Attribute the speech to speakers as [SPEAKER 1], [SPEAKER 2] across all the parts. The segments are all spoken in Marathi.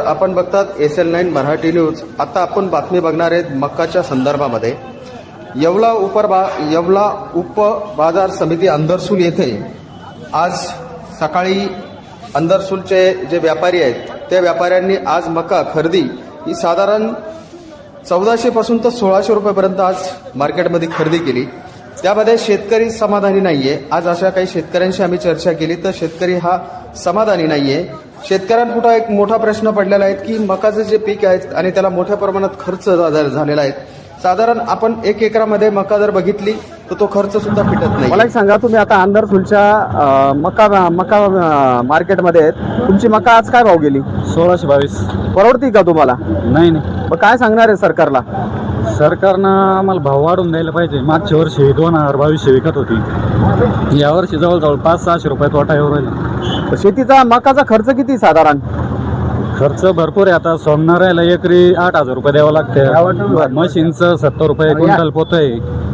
[SPEAKER 1] आपण बघतात SL9 मराठी न्यूज। आता आपण बातमी बघणार आहेत मक्काच्या संदर्भामध्ये। येवला उप बाजार समिती अंदरसूल येथे आज सकाळी अंदरसूलचे जे व्यापारी आहेत त्या व्यापाऱ्यांनी आज मका खरेदी ही साधारण 1400 पासून तर 1600 रुपयापर्यंत आज मार्केटमध्ये खरेदी केली। त्यामध्ये शेतकरी समाधानी नाहीये। आज अशा काही शेतकऱ्यांशी आम्ही चर्चा केली तर शेतकरी हा समाधानी नाहीये। शेतकऱ्यांपुढे एक मोठा प्रश्न पडलेला आहे की मकाचे जे पीक आहे आणि त्याला मोठ्या प्रमाणात खर्च झालेला आहे। साधारण आपण 1 एकरामध्ये मका जर बघितली तर तो खर्च सुद्धा फिटत नाही।
[SPEAKER 2] मला एक सांगा, तुम्ही आता अंदरसूलच्या मका मार्केटमध्ये आहेत, तुमची मका आज काय भाव गेली?
[SPEAKER 3] 1622।
[SPEAKER 2] परवडती का तुम्हाला?
[SPEAKER 3] नाही
[SPEAKER 2] मग काय सांगणार आहे सरकारला?
[SPEAKER 3] सरकारनं आम्हाला भाव वाढवून द्यायला पाहिजे। मागच्या वर्षी 2022 विकत होती, यावर्षी जवळजवळ 500-600 रुपये तोटा येऊ राहिला।
[SPEAKER 2] शेतीचा मकाचा खर्च किती साधारण?
[SPEAKER 3] खर्च भरपूर आहे। आता सोमनारायला एकरी 8000 रुपये द्यावं लागतं। मशीनचं 70 रुपये क्विंटल पोत आहे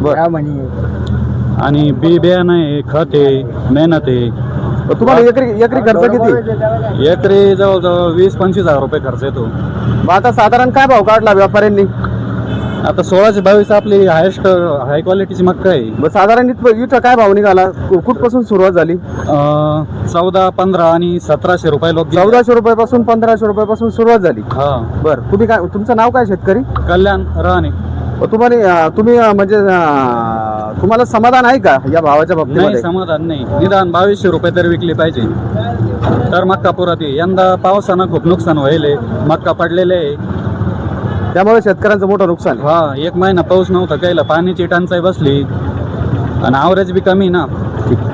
[SPEAKER 3] आणि बी बियाणं आहे, खत आहे, मेहनत आहे।
[SPEAKER 2] तुम्हाला एकरी खर्च किती?
[SPEAKER 3] एकरी जवळजवळ 20-25 हजार रुपये खर्च येतो।
[SPEAKER 2] मग आता साधारण काय भाव काढला व्यापाऱ्यांनी?
[SPEAKER 3] आता 1622 आपली हायेस्ट हाय क्वालिटीची मक्का आहे।
[SPEAKER 2] मग साधारण इथं काय भाव निघाला? कुठपासून सुरुवात झाली?
[SPEAKER 3] 14, 15 आणि 1700 रुपये लोक
[SPEAKER 2] 1400 रुपयापासून 1500 रुपयापासून सुरुवात झाली।
[SPEAKER 3] हा
[SPEAKER 2] बरं, तुम्ही काय, तुमचं नाव काय? शेतकरी
[SPEAKER 3] कल्याण राणे।
[SPEAKER 2] तुम्ही म्हणजे तुम्हाला समाधान आहे का या भावाच्या
[SPEAKER 3] नाही,
[SPEAKER 2] बाबतीमध्ये?
[SPEAKER 3] समाधान नाही। निदान 2200 रुपये तरी विकली पाहिजे तर मक्का पुरात येईल। यंदा पावसानं खूप नुकसान व्हायले, मक्का पडलेले आहे,
[SPEAKER 2] त्यामुळे शेतकऱ्यांचं मोठं नुकसान.
[SPEAKER 3] हा 1 महिना पाऊस नव्हता, कायला पाण्याची टंचाई बसली आणि ॲव्हरेज बी कमी ना.